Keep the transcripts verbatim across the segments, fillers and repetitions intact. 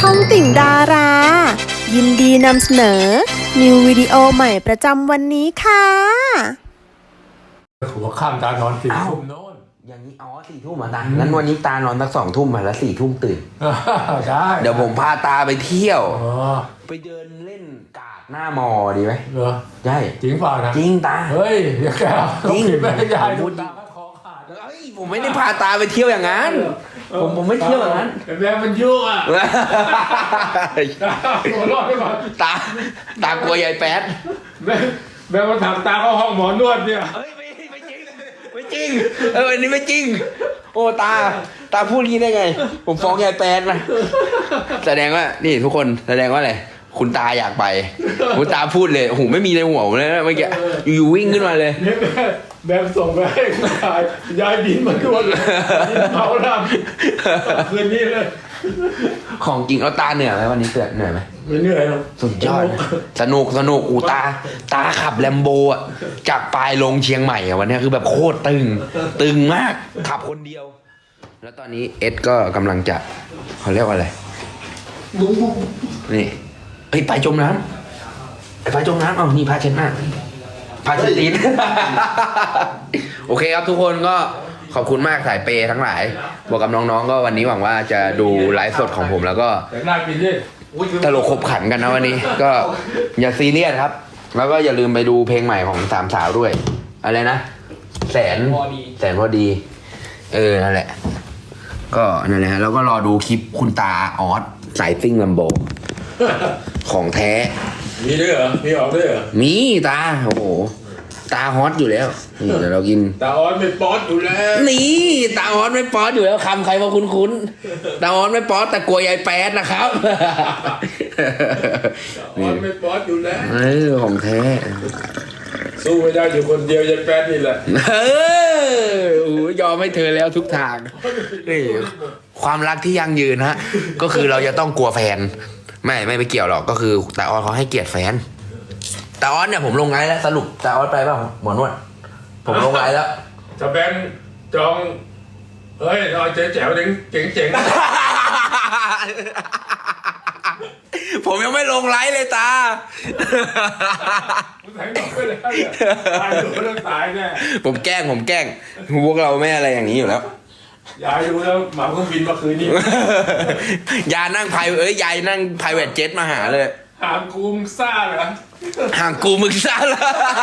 องติ่งดารา ยินดีนำเสนอ นิววิดีโอใหม่ประจำวันนี้ค่ะหัวข้ามตานอนสี่ทุ่มโน่นอย่างนี้อ๋อสี่ทุ่มอ่ะตางั้นวันนี้ตานอนสักสองทุ่มมาแล้วสี่ทุ่มตื่นได้เดี๋ยวผมพาตาไปเที่ยวอ๋อไปเดินเล่นกาดหน้ามอดีไหมเหรอใช่จริงเปล่านะจริงตาเฮ้ยอย่าแกเอาจริงไม่ได้ยายพูดูดตาก็คอขาดเฮ้ยผมไม่ได้พาตาไปเที่ยวอย่างนั้น ผมผมไม่เที่ยวอย่างนั้นแต่แม่มันยุ่งอ่ะหัวเรอดไม่พอตาตากลัวยายแป๊ดแม่แม่มาถามตาเข้าห้องหมอนวดเนี่ยเฮ้ยไม่ไม่จริงไม่จริงเอออันนี้ไม่จริง โอ้ตาตาพูดงี้ได้ไง ผมฟ้องยายแป๊ดนะแสดงว่านี่ทุกคนแสดงว่าอะไรคุณตาอยากไปคุณตาพูดเลยโอ้โหไม่มีในหัวผมเลยนะเมื่อกี้อยู่วิ่งขึ้นมาเลยเนี่ยแม่แม่ส่งไปให้คุณยายยายบินมานวดเลยบินเผาลำคืนนี้เลยของจริงแล้วตาเหนื่อยไหมวันนี้เตือนเหนื่อยไหมไม่เหนื่อยหรอกสุดยอดนะสนุกสนุกอูตาตาขับแลมโบอ่ะจากปลายลงเชียงใหม่อ่ะวันนี้คือแบบโคตรตึง ตึงมากขับคนเดียว แล้วตอนนี้เอ็ดก็กำลังจะเขาเรียกว่าอะไรนี่เฮ้ยไปจมน้ำไอ้ไปจมน้ำเอานี่พาเช็ดหน้าพาเช็ดตีน โอเคครับทุกคนก็ขอบคุณมากสายเปย์ทั้งหลายบอกกับน้องๆก็วันนี้หวังว่าจะดูไลฟ์สดของผมแล้วก็แต่หน้ากินดิตลกขบขันกันนะวันนี้ ก็อย่าซีเรียสครับ แล้วก็อย่าลืมไปดูเพลงใหม่ของสามสาวด้วย อะไรนะแสนแสนพอดี เออนั่นแหละ ก็นั่นแหละฮะแล้วก็รอดูคลิปคุณตาออสสายซิ่งลำโบของแท้มีด้วยเหรอมีออกด้วยเหรอมีตาโอ้โหตาฮอตอยู่แล้วนี่เดี๋ยวเรากินตาออนไม่ป๊อตอยู่แล้วนี่ตาออสไม่ป๊อตอยู่แล้วคำใครมาคุ้นๆตาออสไม่ป๊อตแต่กลัวยายแป๊ดนะครับตาออนไม่ป๊อตอยู่แล้วเออของแท้สู้ไม่ได้อยู่คนเดียวยายแป๊ดนี่แหละเออโอ้ยอมให้เธอแล้วทุกทางนี่ความรักที่ยั่งยืนฮะ ก็คือเราจะต้องกลัวแฟน ไม่ไม่ไปเกี่ยวหรอกก็คือตาออสเขาให้เกียรติแฟนตาออสเนี่ยผมลงไลน์แล้วสรุปตาออสไปเปล่าหมอนวดผมลงไลน์แล้วจะแบงค์จองเฮ้ยเราเจ๋แจ๋วเจ๋งเจ๋งเจ๋งผมยังไม่ลงไลน์เลยตามึงแทงดอกไปแล้วเนี่ยตายอยู่เรื่องตายแน่ผมแกล้งผมแกล้งพวกเราไม่อะไรอย่างนี้อยู่แล้วยายรู้แล้วเหมาเครื่องบินมาคืนนี้ยานั่งไพเอ้ยยายนั่งไพรเวทเจ็ตมาหาเลยหามกูมซ่าเหรอห่างกูมึงซะละ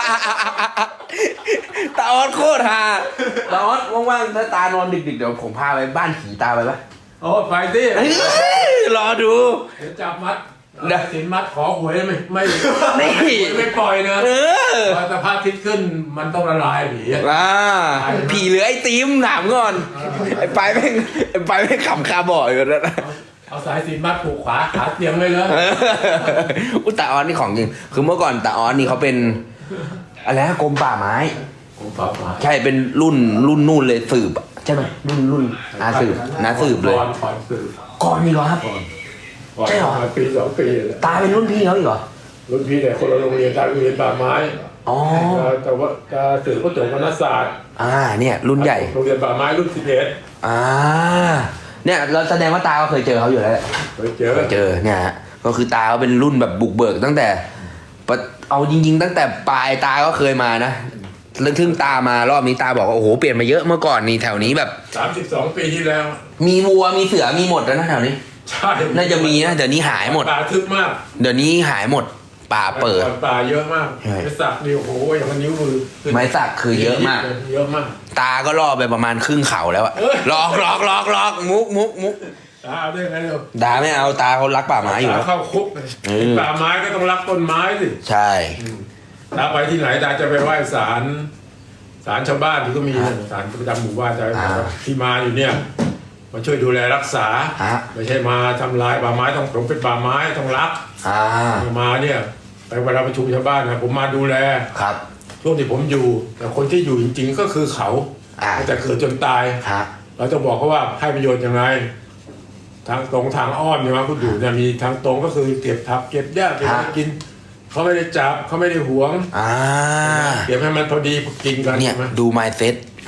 ตาออสโคตรฮาตาออสว่างๆถ้าตานอนดึกๆเดี๋ยวผมพาไปบ้านผีตาไปปะโอ้ไปสิเฮ้ยรอดูเดี๋ยวจับมัดเดี๋ยวสินมัดขอหวยไม่ไม่นี่ไม่ปล่อยนะเออพอสภาพทิศขึ้นมันต้องละลายผีอะอ่าผีเหลือไอ้ตีมถามก่อนไอ้ไปแม่งไอ้ไปแม่งขำคาบ่อยอยู่แล้วนะเอาสายสินมัดผูกขวาขาเตียงเลยเลยอุยตาออสนี่ของจริงคือเมื่อก่อนตาออสนี่เขาเป็นอะไรนะกรมป่าไม้ผมฝากมาใช่เป็นรุ่นรุ่นนู่นเลยสืบอะใช่ไหมรุ่นรุ่นนาสืบนาสืบเลยก่อนก่อนสืบก่อนนี่เหรอครับก่อนใช่เหรอก่อนปีสองปีเลยตาเป็นรุ่นพี่เขาอีกเหรอรุ่นพี่แต่คนละโรงเรียนตาโรงเรียนป่าไม้อ๋อแต่ว่าตาสืบก็จบคณะศาสตร์อ่าเนี่ยรุ่นใหญ่โรงเรียนป่าไม้รุ่นสิบเอ็ดอ่าเนี่ยเราแสดงว่าตาก็เคยเจอเขาอยู่แล้วแหละเคยเจอเคยเจอเนี่ยฮะก็คือตาเขาเป็นรุ่นแบบบุกเบิกตั้งแต่ปะเอาจริง ๆ ตั้งแต่ปลายตาก็เคยมานะเรื่องทึ่งตามารอบนี้ตาบอกว่าโอ้โหเปลี่ยนมาเยอะเมื่อก่อนนี่แถวนี้แบบสามสิบสองปีที่แล้วมีวัวมีเสือมีหมดแล้วนะแถวนี้ใช่น่าจะมีนะเดี๋ยวนี้หายหมดป่าทึบมากเดี๋ยวนี้หายหมดป่าเปิดก่อนป่าเยอะมากใช่ไปสักนิ้วโอ้โหอย่างมันนิ้วมือขึ้นไม้สักคือเยอะมากเยอะมากตาก็ล่อไปประมาณครึ่งเข่าแล้วอะเอ้ยหลอกหลอกหลอกหลอกมุกมุกมุกตาเอาได้ไงเร็วตาไม่เอาตาเขารักป่าไม้อยู่ตาแล้วเข้าคุกเลยเออป่าไม้ก็ต้องรักต้นไม้สิใช่ตาไปที่ไหนตาจะไปไหว้ศาลศาลชาวบ้านที่ก็มีศาลประจำหมู่บ้านจะที่มาอยู่เนี่ยมาช่วยดูแลรักษาฮะไม่ใช่มาทำลายป่าไม้ต้องผมเป็นป่าไม้ต้องรักอ่ามาเนี่ยไปเวลาประชุมชาวบ้านนะผมมาดูแลครับช่วงที่ผมอยู่ แต่คนที่อยู่จริงๆก็คือเขาอ่าแต่เกิดจนตายฮะเราจะบอกเขาว่าให้ประโยชน์ยังไงทางตรงทางอ้อมเนี่ยมาคุณดูเนี่ยมีทางตรงก็คือเก็บผักเก็บหญ้าเก็บอะไรกินเขาไม่ได้จับเขาไม่ได้หวงอ่าเก็บให้มันพอดีกินกันเนี่ยใช่ไหมดู mindset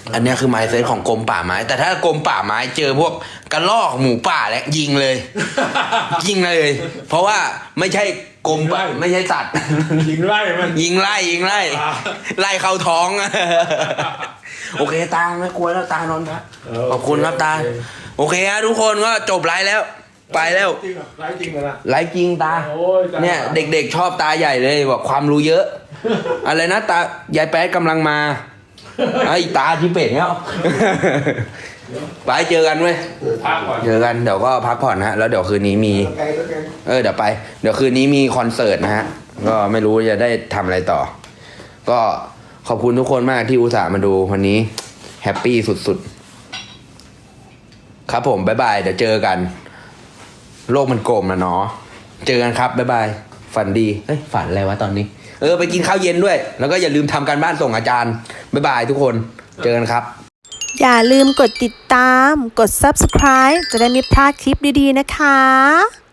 อันเนี้ยคือไม้เซตของกรมป่าไม้ แต่ถ้ากรมป่าไม้เจอพวกกระรอกหมูป่าแล้วยิงเลย ยิงเลย เพราะว่าไม่ใช่กรมป่าไม่ใช่สัตว์ยิงไล่มันยิงไล่ยิงไล่อ่าไล่เข้าท้อง โอเคตาไม่กลัวแล้วตานอนพักขอบคุณครับตา โอเคฮะทุกคนก็จบไลฟ์แล้ว ไปแล้วจริงเหรอไล่จริงเหรอนะไลฟ์จริงตาโอ้ยตาเนี่ยเด็กๆชอบตาใหญ่เลยบอกความรู้เยอะ อะไรนะตายายแป๊ดกำลังมาไอ้ตาที่เป็ดเนี่ย ไปเจอกันเว้ยพักก่อนเจอกันเดี๋ยวก็พักผ่อนนะฮะแล้วเดี๋ยวคืนนี้มี เออเดี๋ยวไป เดี๋ยวคืนนี้มีคอนเสิร์ตนะฮะ ก็ไม่รู้จะได้ทำอะไรต่อ ก็ขอบคุณทุกคนมากที่อุตส่าห์มาดูวันนี้แฮปปี้สุดๆ ครับผมบ๊ายบายเดี๋ยวเจอกัน โลกมันกลมนะเนาะเจอกันครับบ๊ายบายฝันดีเฮ้ยฝันอะไรวะตอนนี้ เออไปกินข้าวเย็นด้วย แล้วก็อย่าลืมทำการบ้านส่งอาจารย์บ๊ายบายทุกคนเจอกันครับอย่าลืมกดติดตาม กด ซับสไครบ์ จะได้ไม่พลาดคลิปดีๆนะคะ